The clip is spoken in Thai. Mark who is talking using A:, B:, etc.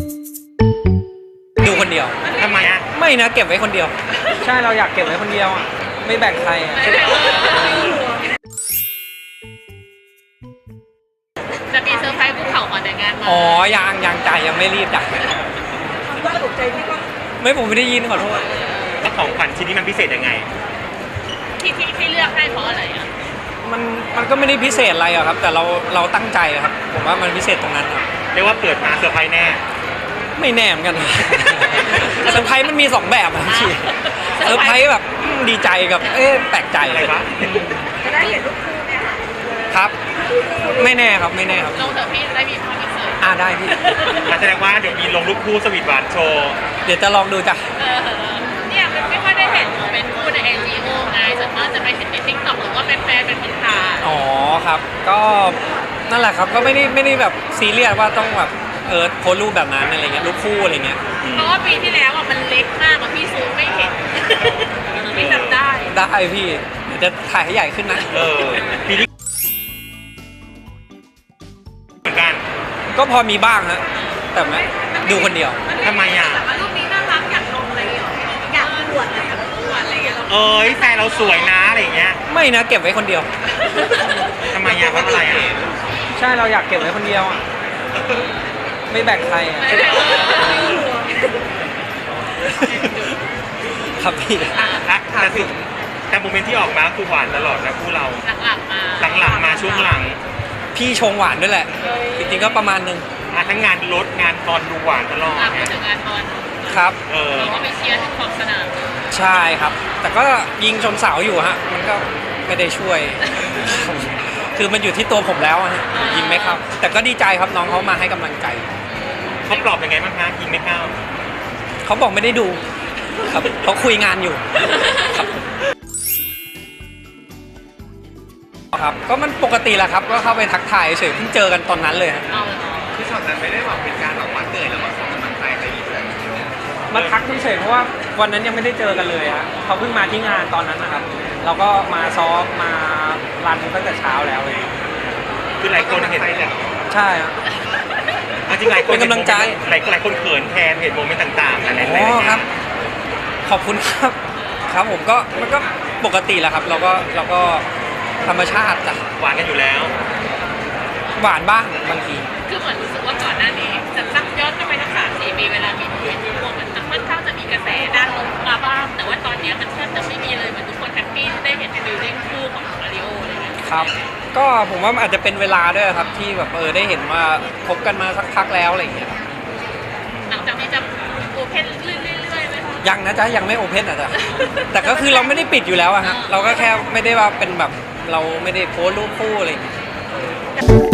A: ดูคนเดียว
B: ทำไมอ่ะ
A: ไม่นะเก็บไว้คนเดียวใช่เราอยากเก็บไว้คนเดียวอ่ะไม่แบ่งใครอ่ะ
C: จะมีเซอร์ไพรส์ภูเขาก่อนแต่งงานมา
A: อ๋อยังจ่ายยังไม่รีบจ่ายไม่ผมไม่ได้ยินขอโทษ
B: แล้วของขวัญชิ้นนี้มันพิเศษยังไง
C: ที่เลือกให้เพราะอะไรอ่ะ
A: มันก็ไม่ได้พิเศษอะไรอะครับ แต่เราตั้งใจอะครับผมว่ามันพิเศษตรงนั้นครับ
B: เรียกว่าเปิดมาเซอร์ไพรส์แน่
A: ไม่แน่เหมือนกัน เซอร์ไพรส์มันมี2แบบอะพี่เซอร์ไพรส์แบบดีใจกับแปลกใจ
B: อะไรวะ
D: จะได้เห็นรูปคู่เนี่ยค่ะ
A: ครับ ไม่แน่ครับไม่แน่ครับ
C: ลงเถอะพี่ได้มีภาพพิเศษ
A: ได้พี่
B: แสดงว่าเดี๋ยวมีลงรูปคู่สวีทหวานโชว์
A: เดี๋ยวจะลองดูจ้ะ
C: เนี่ยมันไม่ค่อยได้เห็นเป็นคู่ใน NGO ไงส่วนมากจะไปเห็นใน TikTok หรือว่าเป็นแฟนเป็นคนถ่าย
A: อ๋อครับ ก็นั่นแหละครับก็ไม่ได้แบบซีเรียสว่าต้องแบบโพสรูปแบบนั้นอะไรเงี้ยรูปคู่อะไรเงี้ย
C: เพราะว่าปีที่แล้วอ่ะมันเล็กมากอะพี่ซูมไม่เห็นพี่จำได้
A: ได้พี่เดี๋ยวจะถ่ายให้ใหญ่ขึ้นนะ
B: ปีนี้เหมือนกัน
A: ก็พอมีบ้างฮะแต่ไม่ดูคนเดียว
B: ทำไมอ่ะ
C: แต่ว่ารูปนี้น่ารักอยากลงอะไรอย่างเงี้ยอยากอวดอะไรอยากอวดอะไรอย่างเงี้ย
B: เอ้ยแฟนเราสวยนะอะไรอย่างเงี้ย
A: ไม่นะเก็บไว้คนเดียว
B: ทำไมอ่ะเพราะอะไรอ่ะ
A: ใช่เราอยากเก็บไว้คนเดียวอ่ะไม่แบ่งใครอ่ะครับพี่
B: แต่โมเมนต์ที่ออกมาคือหวานตลอดนะคู่เรา
C: หลังๆมา
B: หลังๆมาช่วงหลัง
A: พี่ชงหวานด้วยแหละจริงๆก็ประมาณนึง
B: ทั้งงานรถงานตอนดูหวานตลอด
C: พูดถึงงานบอล
A: ครับ
C: เราก็ไปเชียร์ถึงขอบสนาม
A: ใช่ครับ แต่ก็ยิงชนเสาอยู่ฮะมันก็ไม่ได้ช่วย คือมันอยู่ที่ตัวผมแล้วอะฮะยิงไม่เข้าแต่ก็ดีใจครับน้องเขามาให้กำลังใจ
B: เขาปลอบยังไงบ้างคะยิงไม่เข้า
A: เขาบอกไม่ได้ดูครับเขาคุยงานอยู่ครับก็มันปกติแหละครับก็เข้าไปทักทายเฉยเพิ่งเจอกันตอนนั้นเลยฮะ
C: เอา
E: ที่ช็อตนั้นไม่ได้แบบเป็นการแบบว่าเกิดแล้วมาขอกำลังใจใครอีกเลย
A: มาทักเฉยๆเพราะว่าวันนั้นยังไม่ได้เจอกันเลยฮะเขาเพิ่งมาที่งานตอนนั้นนะครับ เราก็มาซ้อมมารันตั้งแต่เช้าแล้วเลย
B: คือหลายคนเห็น
A: ใช่ครับ
B: จริงหลายคน
A: เป็นกำลังใจ
B: หลายคนเขินแทนเห็นโมเมนต์ต่างๆอะไร
A: อ๋อครับ ขอบคุณครับ ครับผมก็มันก็ปกติแหละครับ เราก็ธรรมชาติจ้ะ
B: หวานกันอยู่แล้ว
A: หวานบ้างบางที
C: คือเหมือนรู้สึกว่าก่อนหน้านี้จะตั้งย้อนกลับไปทั้ง3-4 ปีเวลามีโมเมนต์ที่พวกมันค่อนข้างจะมีกระแสด้านลบมาบ้างแต่ว่าตอนนี้มันแทบจะไม่มีเลยเหมือนทุกคนแฮปปี้ได้เห็นฟิลลิ่งคู่ของมาริโออะไรเงี้ย
A: ครับ ก็ผมว่ามันอาจจะเป็นเวลาด้วยครับที่แบบได้เห็นว่าคบกันมาสักพักแล้วอะไรอย่างเงี้ยครับ
C: หลังจากนี้จะโอเพนเรื่อยๆไหมคะ
A: ยังนะจ๊ะยังไม่โอเพนอ่ะจ๊ะ แต่ก็คือเราไม่ได้ปิดอยู่แล้วอะฮะเราก็แค่ไม่ได้ว่าเป็นแบบเราไม่ได้โพสต์รูปคู่อะไรอย่างเงี้ย